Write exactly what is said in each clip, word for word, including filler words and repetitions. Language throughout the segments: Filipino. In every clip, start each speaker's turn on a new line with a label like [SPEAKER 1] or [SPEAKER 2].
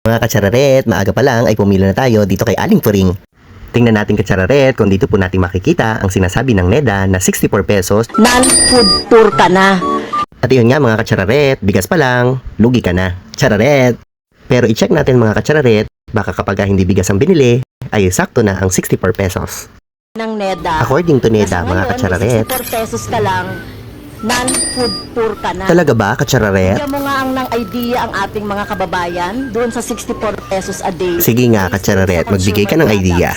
[SPEAKER 1] Mga katsararet, maaga pa lang ay pumila na tayo dito kay Aling Turing. Tingnan natin katsararet kung dito po natin makikita ang sinasabi ng NEDA na sixty-four pesos.
[SPEAKER 2] Non-food tour ka na.
[SPEAKER 1] At yun nga mga katsararet, bigas pa lang, lugi ka na. Tsararet! Pero i-check natin mga katsararet, baka kapag hindi bigas ang binili, ay sakto na ang sixty-four pesos.
[SPEAKER 2] Ng NEDA.
[SPEAKER 1] According to NEDA,
[SPEAKER 2] Kasi
[SPEAKER 1] mga
[SPEAKER 2] ngayon,
[SPEAKER 1] katsararet,
[SPEAKER 2] sixty-four pesos ka lang, non-food tour ka na.
[SPEAKER 1] talaga ba katsararet?
[SPEAKER 2] Bigyan mo nga ang ng idea ang ating mga kababayan doon sa sixty-four pesos a day.
[SPEAKER 1] Sige nga katsararet, magbigay ka ng idea.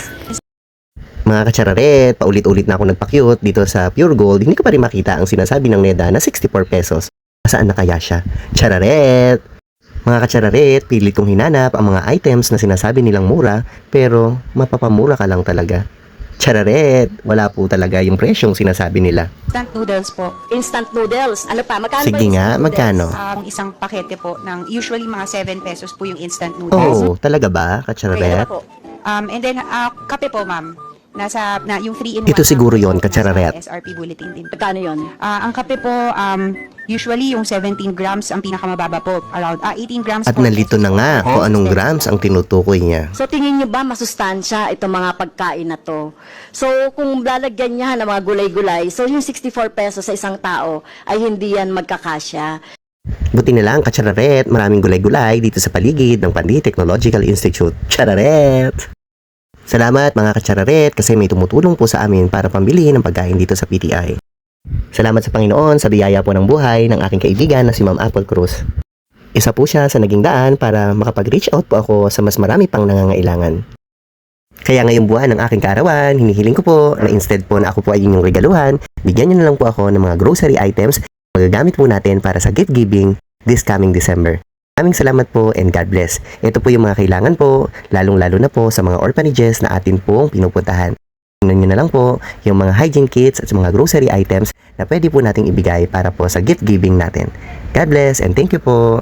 [SPEAKER 1] Mga katsararet, paulit-ulit na ako nagpa-cute dito sa Pure Gold, hindi ko pa rin makita ang sinasabi ng NEDA na sixty-four pesos. Saan na kaya siya? Tsararet! Mga katsararet, pilit kong hinanap ang mga items na sinasabi nilang mura, pero mapapamura ka lang talaga. Tsararet! Wala po talaga yung presyong sinasabi nila.
[SPEAKER 3] Instant noodles po.
[SPEAKER 2] Instant noodles. Ano pa? Magkano ba
[SPEAKER 1] Sige
[SPEAKER 2] instant
[SPEAKER 1] nga,
[SPEAKER 2] noodles?
[SPEAKER 1] magkano?
[SPEAKER 3] Ang isang pakete po ng usually mga seven pesos po yung instant noodles.
[SPEAKER 1] Oh, talaga ba,
[SPEAKER 2] Okay,
[SPEAKER 1] katsararet?
[SPEAKER 2] ano po?
[SPEAKER 3] Um, and then, uh, kape po, ma'am. Nasa, na, yung three in one.
[SPEAKER 1] Ito siguro yon, katsararet.
[SPEAKER 3] S R P bulletin din.
[SPEAKER 2] Magkano yun?
[SPEAKER 3] Ah, ang kape po, um, usually yung seventeen grams ang pinakamababa po. Around ah, eighteen grams
[SPEAKER 1] At
[SPEAKER 3] po.
[SPEAKER 1] nalito na nga kung anong grams ang tinutukoy niya.
[SPEAKER 2] So tingin nyo ba masustansya itong mga pagkain na to? So kung lalagyan niya ng mga gulay-gulay, so yung sixty-four pesos sa isang tao ay hindi yan magkakasya.
[SPEAKER 1] Buti na lang, katsararet, maraming gulay-gulay dito sa paligid ng Pandi Technological Institute. Tsararet! Salamat mga katsararet kasi may tumutulong po sa amin para pambili ng pagkain dito sa P T I. Salamat sa Panginoon sa biyaya po ng buhay ng aking kaibigan na si Ma'am Apple Cruz. Isa po siya sa naging daan para makapag-reach out po ako sa mas marami pang nangangailangan. Kaya ngayong buwan ng aking kaarawan, hinihiling ko po na instead po na ako po ay inyong regaluhan, bigyan niyo na lang po ako ng mga grocery items na magagamit po natin para sa gift giving this coming December. Maraming salamat po and God bless. Ito po yung mga kailangan po, lalong-lalo na po sa mga orphanages na atin pong pinupuntahan. Tingnan nyo na lang po yung mga hygiene kits at mga grocery items na pwede po nating ibigay para po sa gift giving natin. God bless and thank you po.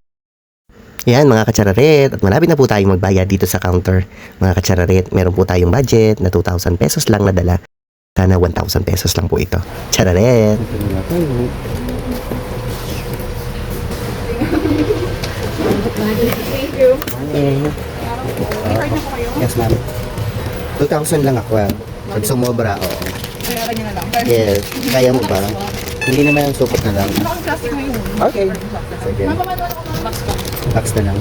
[SPEAKER 1] Yan mga katsararet, at malapit na po tayong magbayad dito sa counter. Mga katsararet, meron po tayong budget na two thousand pesos lang na dala. Sana one thousand pesos lang po ito. Tsararet!
[SPEAKER 4] Thank you.
[SPEAKER 1] Okay. Yes, ma'am. two thousand lang ako. ah. Pag sumobra, oo.
[SPEAKER 4] Bayaran niyo na lang.
[SPEAKER 1] Yes. Kaya mo ba? Hindi naman yung supot na lang.
[SPEAKER 4] Plastic mo yun.
[SPEAKER 1] Okay. Sige.
[SPEAKER 4] Mapamano ako ng box ko.
[SPEAKER 1] Tax na lang.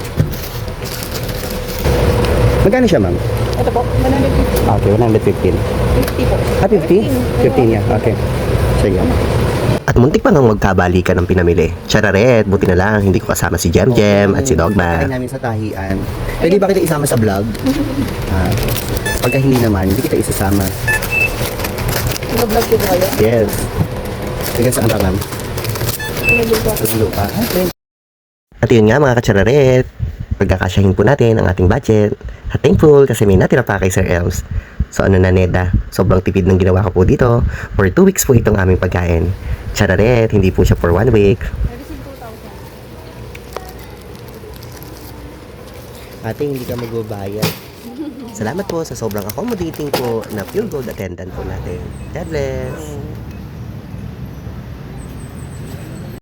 [SPEAKER 1] Magkano siya, ma'am?
[SPEAKER 4] Ito po, one hundred fifty.
[SPEAKER 1] Okay, one hundred fifteen.
[SPEAKER 4] po.
[SPEAKER 1] Ah, fifty? fifteen, yeah. Okay. Sige. At muntik pa nang magkabalikan ng pinamili. Chararet, buti na lang, hindi ko kasama si Jem Jem at si Dogma. Pagkain namin sa tahian. Pwede ba kita isama sa vlog? Ah, pagka hindi naman, hindi kita isasama.
[SPEAKER 4] Nag-vlog ko po kayo.
[SPEAKER 1] Yes. Sige, saan ka, ma'am?
[SPEAKER 4] Nag-vlog ko.
[SPEAKER 1] Sa lupa. At yun nga mga katsararet, pagkakasyahin po natin ang ating budget. At thankful kasi may natira pa kay Sir Elms. So ano na NEDA, sobrang tipid ng ginawa ko po dito. For two weeks po itong aming pagkain. Chararet, hindi po siya for one week. Ate, hindi ka magbabayad. Salamat po sa sobrang accommodating po na Pure Gold attendant po natin. God bless!